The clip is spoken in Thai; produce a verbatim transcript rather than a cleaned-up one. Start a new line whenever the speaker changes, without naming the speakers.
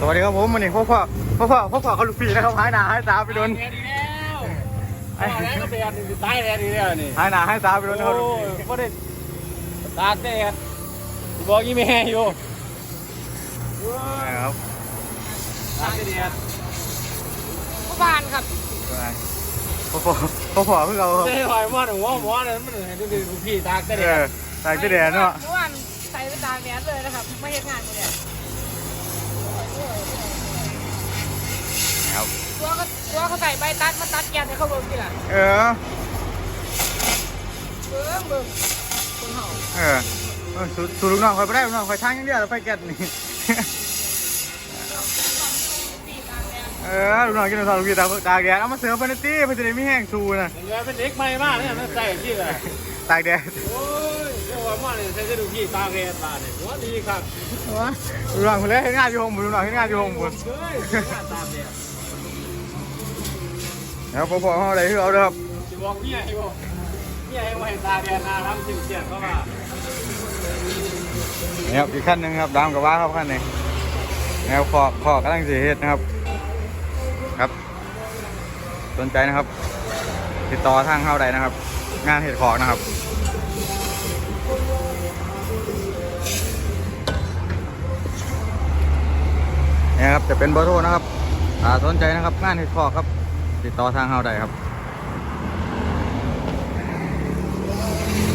วัสดีครับผมวันนี้พ่อพ่อพ่อพ่อพ่อพ่อเขาลูกพี่นะครับหายหนาหายตาไปโดน
แดดดีแล้วพ่อแล้วก็แดดนี่ตายแดดดีแล้วนี่
หายหนาหายตาไปโดนนะครับ
โอ้ยพ่อได้ตากแดดบอกยี่แม่อยู่
นะครับ
ตากแดด
ผู้บ้านครับ
พ่อพ่อพ่อพ่อเพิ่งเอาครับ
ได้หอยมอดหัวหมอนั่นมันเห็นดูดิพี่ตากแด
เออ
ด
ตายที่แดดเนาะ
เมื่อวานใส่ไปตากแดดเลยนะครับไม่เห็นงานเลย
ครับ
ตัวก็ตัวเขาใส่ใบตัดมาตัดแกนให้เขาเบิ่งทีหลัง
เออ
เบิ่งเบิ่งคนเห่า
เออเออสูสูลูกน้องคอยไปได้ลูกน้องคอยทางอย่างเดียวแล้วไปแกะนี่
ตีตากแดด
เออลูกน้องกินข้าวลูกพี่ตาตากแดดเอามาเสิร์ฟไปในตี้เพื่อจะได้ไม่แห้งชูนะ
เห็นเป็นเด็กใหม่มากเนี่ยมันใส่ที่เลย
ตากแดด
โอ้ยเจ้าว่ามาเนี่ยใส่ดูพี่ตากแดดตาเนี่ยหัวดีครับ
ลูกน้องคนเล็กเฮ็ดงานอยู่ห้องบุญลูกน้องเฮ็ดงานอยู่ห้องบุญ
เฮ้ยตากแดด
แล้วพ่อพ่อเขาอะไรที่เอาเด้อครับ
จะบอกเนี่ยไอ้บอกเนี่ยไอ้ว่าตากแดดนาทำสิ่งเสียเขาว่า
นี่ครับอีกขั้นหนึ่งครับดามกับว่าครับขั้นนี้แนวคอคอกำลังสีเฮ็ดนะครับครับสนใจนะครับ ติดต่อทางเข้าได้นะครับ งานเห็ดขอกนะครับนี่ครับจะเป็นเบอร์โทรนะครับถ้าสนใจนะครับงานเห็ดขอกครับ ติดต่อทางเข้าได้ครับ